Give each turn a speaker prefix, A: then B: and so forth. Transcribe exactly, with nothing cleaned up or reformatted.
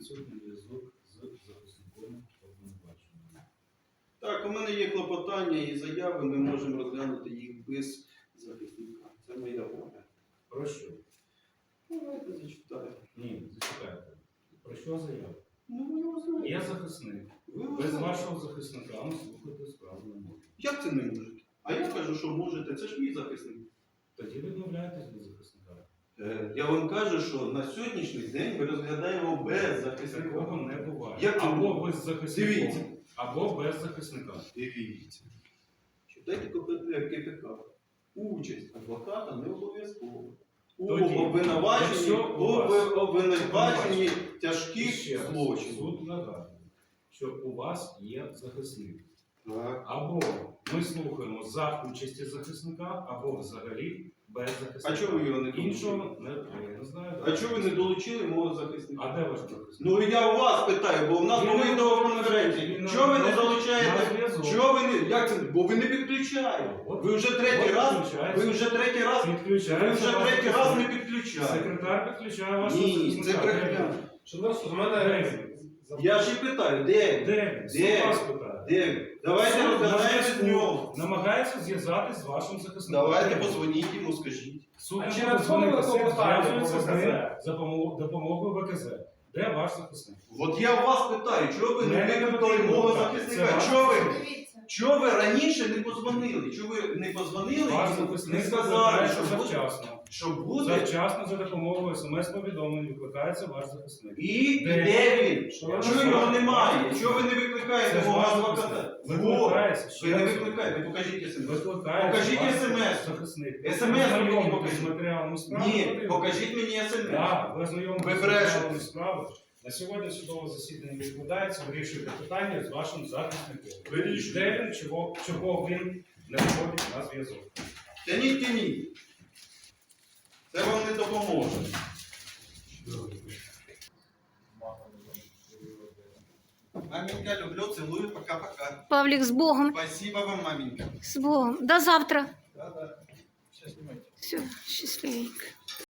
A: відсутній зв'язок з захисником обвинуваченого.
B: Так, у мене є клопотання і заяви, ми можемо розглянути їх без захисника. Це моя воля.
A: Про що?
B: Давайте зачитаю.
A: Ні, зачекайте. Про що заява?
B: Ну, ви його знаєте.
A: Я захисник.
B: Ви його
A: Без
B: знаєте.
A: вашого захисника ми слухати справу не можемо.
B: Як це не можете? А я кажу, що можете. Це ж мій захисник.
A: Тоді відмовляєтесь від захисника.
B: Е, Я вам кажу, що на сьогоднішній день ми розглядаємо без захисника.
A: Такого не буває.
B: Як це
A: або
B: не
A: ви з захисником,
B: Дивіться.
A: або без захисника.
B: Дивіться. Читайте КПК. Участь адвоката не обов'язково. У
A: Тоді,
B: обвинуваченні,
A: якщо у вас-
B: об- обвинуваченні
A: І
B: тяжких
A: ще раз,
B: злочинів.
A: суд нагадує, що у вас є захисник.
B: Так.
A: Або ми слухаємо за участі захисника, або взагалі без захисника.
B: А чого ви його не долучили?
A: Іншого не, я не знаю.
B: А чого ви не долучили мого захисника?
A: А де ваш захисник?
B: Ну я у вас питаю, бо в нас
A: Він
B: були
A: не
B: відеоконференції.
A: він
B: Чого ви не
A: на-
B: залучаєте?
A: на зв'язок.
B: Чого ви не. Як це? Бо ви не підключаєте.
A: От-
B: Ви вже третій
A: от
B: раз.
A: підключається.
B: Ви вже третій раз. Ви
A: Підключається
B: вже
A: ваш
B: третій раз
A: захисник.
B: не підключаєте.
A: Секретар підключає вашого
B: Ні,
A: захисника.
B: це брехня.
C: Шановні, у мене
A: Де він?
B: Я ж і питаю, де він?
A: Де він? Суд
B: Де?
A: вас питає.
B: Де він? Давайте
A: Суд на
B: розглядаємо з
A: зв'язку
B: нього.
A: намагається зв'язатись з вашим захисником.
B: Давайте позвоніть йому, скажіть.
A: Суд
C: А
A: не
C: чи
A: буде
C: надходили
A: дзвонитися,
C: клопотання
A: зв'язується
C: по
A: з ним
C: ВКЗ?
A: за помо- допомогою ВКЗ. Де ваш захисник?
B: От я у вас питаю, чого ви не
A: Мене не
B: викликали
A: потрібно
B: мого
A: питати.
B: захисника?
A: Це ваш
B: Чого ви?
D: Дивіться.
B: Чого ви раніше не позвонили? Чого ви не позвонили
A: Ваш
B: і не
A: захисник
B: сказали, що
A: викликається
B: буде?
A: завчасно.
B: Що буде?
A: Завчасно за допомогою смс-повідомлень викликається ваш захисник.
B: І
A: Де?
B: де він?
A: Що
B: Чого
A: ви
B: його
A: знаєте?
B: немає? Чого ви не викликаєте
A: Це
B: мого
A: ваш
B: адвоката?
A: захисник.
B: Во!
A: Викликається. ще
B: Ви не
A: раз.
B: викликаєте, покажіть смс.
A: Викликається
B: Покажіть
A: ваш
B: смс.
A: захисник.
B: смс
A: Ви
B: мені
A: ознайомитесь
B: покажіть.
A: з матеріалами справи.
B: Ні,
A: подивитесь.
B: покажіть мені смс.
A: Так, ви ознайомитесь
B: Ви
A: з
B: брешете.
A: матеріалами справи. На сьогодні судове засідання відкладається, вирішуєте питання з вашим захисником.
B: Вирішуйте.
A: Де він, чого, чого він не виходить на зв'язок.
B: Тяніть, тяніть. Це вам не допоможе. Маменька, люблю, целую, пока-пока.
D: Павлік, з Богом.
B: Спасибо вам, маменька.
D: З Богом. До завтра.
B: Да-да. Сейчас снимайте.
D: Все, щасливенько.